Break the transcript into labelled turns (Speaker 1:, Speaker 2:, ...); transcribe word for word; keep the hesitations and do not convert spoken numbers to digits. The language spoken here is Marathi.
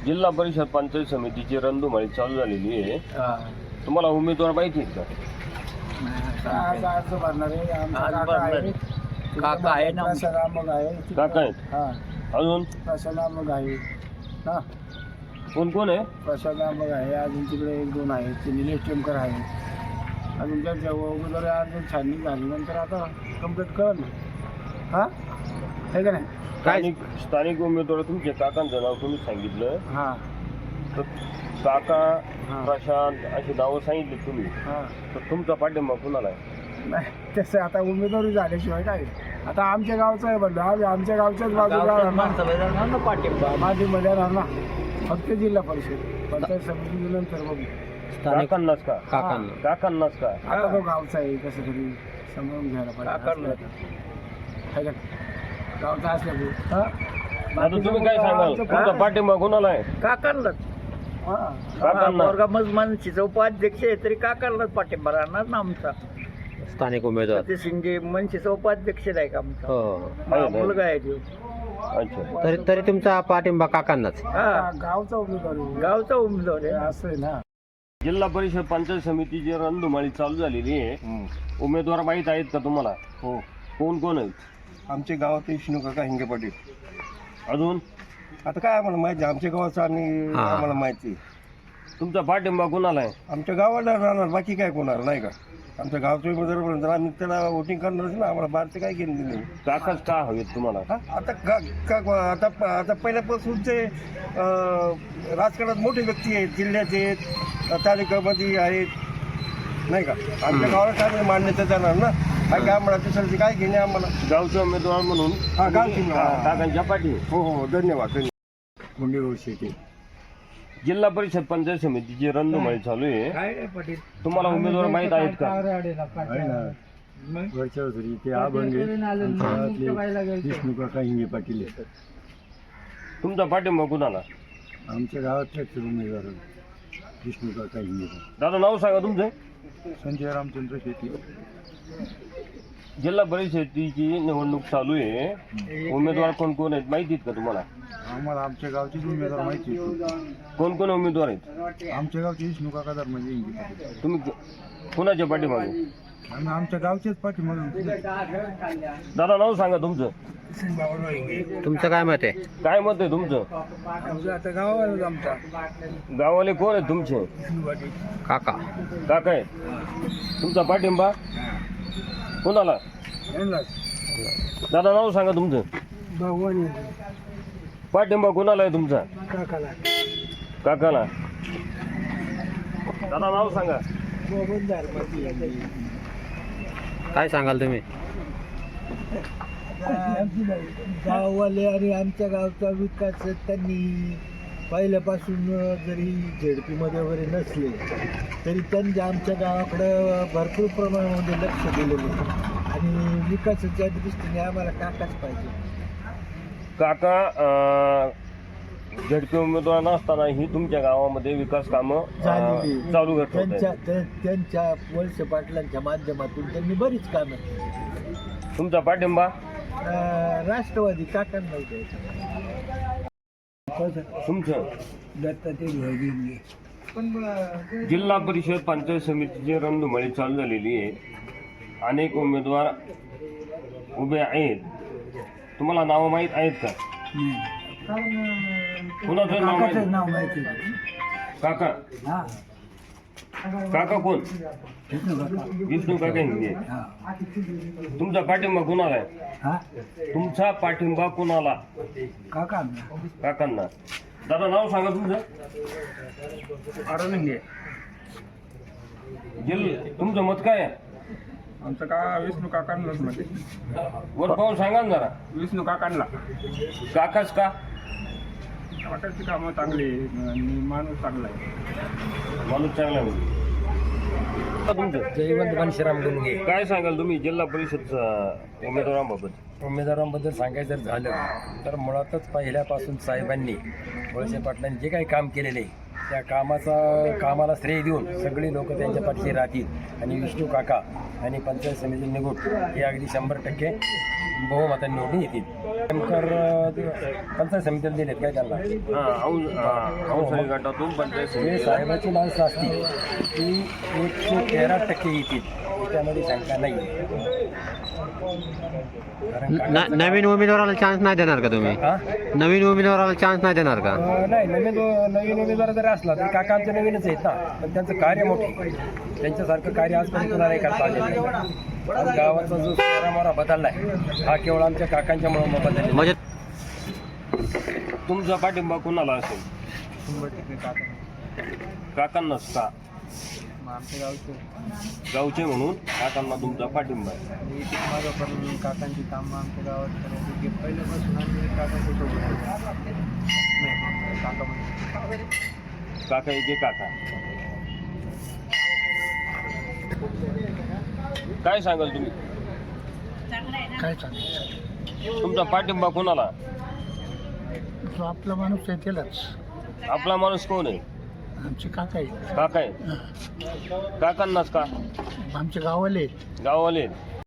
Speaker 1: जिल्हा परिषद पंचायत समितीची रणधुमाळी चालू झालेली आहे. तुम्हाला उमेदवार माहिती आहेत का?
Speaker 2: आज अर्ज भरणार आहे. आमचा काका आहे.
Speaker 3: काका आहे ना.
Speaker 2: प्रसादामग आहे.
Speaker 1: काका आहेत.
Speaker 2: हा
Speaker 1: अजून
Speaker 2: प्रसादामग आहे ना.
Speaker 1: कोण कोण आहे?
Speaker 2: प्रसादामग आहे. अजून तिकडे एक दोन आहेत. ते निलेश टेमकर आहे. अजून त्यांच्या उमेदवारी अर्ज छाननी झाल्यानंतर आता कंप्लीट कळलं ना. हा हे का नाही.
Speaker 1: स्थानिक स्थानिक उमेदवार तुमचे काकांचं नाव तुम्ही सांगितलं.
Speaker 2: हां
Speaker 1: तर काका
Speaker 2: हां.
Speaker 1: प्रशांत अशी नावं सांगितली तुम्ही.
Speaker 2: हां
Speaker 1: तर तुमचा पाठिंबा कुणाला आहे?
Speaker 2: नाही तसं आता उमेदवारी झाल्याशिवाय काय. आता आमच्या गावचं आहे म्हणलं. आम्ही आमच्या गावच्याच बाजूला
Speaker 3: पाठिंबा
Speaker 2: माझीमध्ये राहणार ना. फक्त जिल्हा परिषद पंचायत समिती नंतर बघू.
Speaker 1: काकांनाच का?
Speaker 3: काकांना.
Speaker 1: काकांनाच का?
Speaker 2: आता तो गावचा आहे कसं तरी समजून घ्यायला
Speaker 3: काकांना.
Speaker 2: पाहिजे गावचा असल्यामुळे.
Speaker 1: आता तुम्ही काय सांगाल? तुमचा पाठिंबा कुणाला आहे?
Speaker 3: काकांनाच.
Speaker 1: काकांना.
Speaker 3: मज मनसेचा उपाध्यक्ष आहे तरी काकांनाच पाठिंबा राहणार ना आमचा.
Speaker 4: स्थानिक उमेदवार
Speaker 3: ते शिंदे मनसेचा उपाध्यक्ष आहे का आमचा.
Speaker 4: हो
Speaker 3: हा, मुलगा आहे तो.
Speaker 1: अच्छा.
Speaker 4: तरी तरी तुमचा पाठिंबा काकांनाच.
Speaker 3: हा
Speaker 2: गावचा उमेदवार आहे.
Speaker 3: गावचा उमेदवार आहे.
Speaker 2: असं आहे ना.
Speaker 1: जिल्हा परिषद पंचायत समितीची रणधुमाळी चालू झालेली आहे. उमेदवार माहीत आहेत का तुम्हाला?
Speaker 5: हो.
Speaker 1: कोण कोण आहेत?
Speaker 5: आमच्या गावात विष्णू काका हिंगे पाटील.
Speaker 1: अजून
Speaker 5: आता काय आम्हाला माहिती आहे आमच्या गावाचं आणि
Speaker 4: हा.
Speaker 5: आम्हाला माहिती आहे.
Speaker 1: तुमचा पाठिंबा कुणाला आहे?
Speaker 5: आमच्या गावाला राहणार बाकी काय कोणार नाही का. आमच्या गावचं उमेदवार जर आम्ही त्याला वोटिंग करणारच ना. आम्हाला बाहेरचं काय केलं दिलं.
Speaker 1: काकाच का हवेत तुम्हाला?
Speaker 5: हा आता का का आता आता पहिल्यापासूनचे अं, राजकारणात मोठे व्यक्ती आहेत. जिल्ह्याचे आहेत, तालुक्यामध्ये आहेत नाही का. आमच्या गावाला काय मान्यता देणार ना. काय काय आम्हाला दुसऱ्याची काय घेणे आम्हाला.
Speaker 1: गावचे उमेदवार म्हणून
Speaker 5: हा, गावचे
Speaker 1: तुम्ही
Speaker 5: उमेदवार.
Speaker 1: काकांच्या पाठी.
Speaker 5: हो हो धन्यवाद धन्यवाद. मुंडेगाव शेती.
Speaker 1: जिल्हा परिषद पंचायत समितीची रणधुमाळी चालू आहे.
Speaker 3: काय रे पाटील.
Speaker 1: तुम्हाला उमेदवार माहीत आहेत का?
Speaker 5: आहे ना. वरच्या घरी ते अभंग विष्णू काका हिंगे पाटील आहेत.
Speaker 1: तुमचा पाठिंबा कुणाला?
Speaker 5: आमच्या गावातलेच उमेदवार विष्णू काका हिंगे.
Speaker 1: दादा नाव सांगा तुमचं.
Speaker 5: संजय रामचंद्र शेती.
Speaker 1: जिल्हा परिषदेची निवडणूक चालू आहे. उमेदवार कोण कोण आहेत माहिती आहेत का तुम्हाला?
Speaker 5: आम्हाला आमच्या गावचेच उमेदवार माहिती आहे.
Speaker 1: कोण कोण उमेदवार आहेत?
Speaker 5: आमच्या गावचे विष्णू काका धर्मजी हिंगे पाटील.
Speaker 1: तुम्ही कुणाच्या पाठीमागे?
Speaker 5: आम्ही आमच्या गावचेच पाठीमागे.
Speaker 1: दादा नाव सांगा तुमचं.
Speaker 4: तुमचं काय मत आहे?
Speaker 1: काय मत आहे तुमचं?
Speaker 2: आता गावाला आमचा
Speaker 1: गावाले कोण आहेत तुमचे?
Speaker 4: काका.
Speaker 1: काका आहेत. तुमचा पाठिंबा कोणाला? दादा नाव सांगा तुमचं.
Speaker 2: भगवान
Speaker 1: पाठिंबा कोणाला आहे तुमचा?
Speaker 2: काकाला
Speaker 1: काकाला. दादा नाव सांगा.
Speaker 4: काय सांगाल तुम्ही?
Speaker 2: गाववाले आणि आमच्या गावचा विकास त्यांनी पहिल्यापासून जरी झेडपीमध्ये वगैरे नसले तरी त्यांनी आमच्या गावाकडं भरपूर प्रमाणामध्ये लक्ष दिलेलं आहे. आणि विकासाच्या दृष्टीने आम्हाला काकाच पाहिजे.
Speaker 1: काका झडपी उमेदवार नसतानाही तुमच्या गावामध्ये विकास कामं
Speaker 2: झालेली.
Speaker 1: अं, चालू करत
Speaker 2: त्यांच्या
Speaker 1: होते.
Speaker 2: त्या- त्यांच्या वळसे पाटलांच्या माध्यमातून त्यांनी बरीच कामं केली.
Speaker 1: तुमचा पाठिंबा
Speaker 2: अं, राष्ट्रवादी काकांना द्यायचं.
Speaker 1: तुमचं.
Speaker 2: दत्तात्रय
Speaker 1: जिल्हा परिषद पंचायत समितीची रणधुमाळी चालू झालेली आहे. अनेक उमेदवार उभे आहेत. तुम्हाला नावं माहीत आहेत का? कुणाचं नाव माहीत?
Speaker 2: नाव माहिती
Speaker 1: काका.
Speaker 2: हा
Speaker 1: काका कोण? विष्णू काका हिंगे. तुमचा पाठिंबा कुणाला आहे?
Speaker 2: हा
Speaker 1: तुमचा पाठिंबा कुणाला?
Speaker 2: काका
Speaker 1: काकांना. दादा नाव सांगा तुमचं.
Speaker 5: हिंगे.
Speaker 1: जिल तुमचं मत काय आहे?
Speaker 5: आमचं का विष्णू काकांनाच मध्ये.
Speaker 1: वर पाहून सांगा ना जरा.
Speaker 5: विष्णू काकांना.
Speaker 1: काकाच का?
Speaker 5: काकाची कामं चांगली आणि माणूस चांगला आहे.
Speaker 1: माणूस चांगला आहे म्हणजे. तुमचं
Speaker 6: जयवंत घनश्याम डोंगे.
Speaker 1: काय सांगाल तुम्ही जिल्हा परिषदच्या उमेदवारांबाबत?
Speaker 6: उमेदवारांबद्दल सांगायचं जर झालं तर मुळातच पहिल्यापासून साहेबांनी वळसे पाटलांनी जे काही काम केलेले आहे त्या कामाचा कामाला श्रेय देऊन सगळी लोक त्यांच्या पाठीशी राहतील आणि विष्णू काका आणि पंचायत समिती निवड हे अगदी शंभर टक्के बहुमतांनी निवडून येतील. नेमकर पंचायत समितीला दिलेत काय त्यांना
Speaker 1: हा औ- हा, औसाळी गटातून पंचायत
Speaker 6: जे
Speaker 1: समिती
Speaker 6: साहेबाची माणसं असतील ती एकशे तेरा टक्के येतील त्यामध्ये शंका नाही कारण का-
Speaker 4: न- नवीन उमेदवाराला चान्स नाही देणार का तुम्ही
Speaker 6: हा?
Speaker 4: नवीन उमेदवाराला चान्स नाही देणार का
Speaker 6: अं, नाही नवीन नवीन उमेदवार जरी असला तरी काका आमचे नवीनच आहेत ना पण त्यांचं कार्य मोठे त्यांच्यासारखं कार्य आजपर्यंत कुणाला नाही करता आलेलं नाही आज गावाचा जो मोरा बदलला आहे हा केवळ आमच्या काकांच्यामुळे बदलला
Speaker 4: म्हणजे
Speaker 1: तुमचा पाठिंबा कोणाला असेल काकांनाच का
Speaker 2: आमच्या गावचे
Speaker 1: गावचे म्हणून काकांना तुमचा पाठिंबा आहे.
Speaker 2: माझं पण काकांची कामं आमच्या गावात करायची की पहिल्यापासून आम्ही काकांच्या सोबत आहे. नाही काका म्हणजे
Speaker 1: काका एके काका काय सांगाल तुम्ही
Speaker 2: काय सांगायचं
Speaker 1: तुमचा पाठिंबा कोणाला
Speaker 2: जो आपला माणूस आहे त्यालाच
Speaker 1: आपला माणूस कोण आहे
Speaker 2: आमचे काका आहे
Speaker 1: काका आहे काकांनाच का
Speaker 2: आमचे गावाले
Speaker 1: गाववाले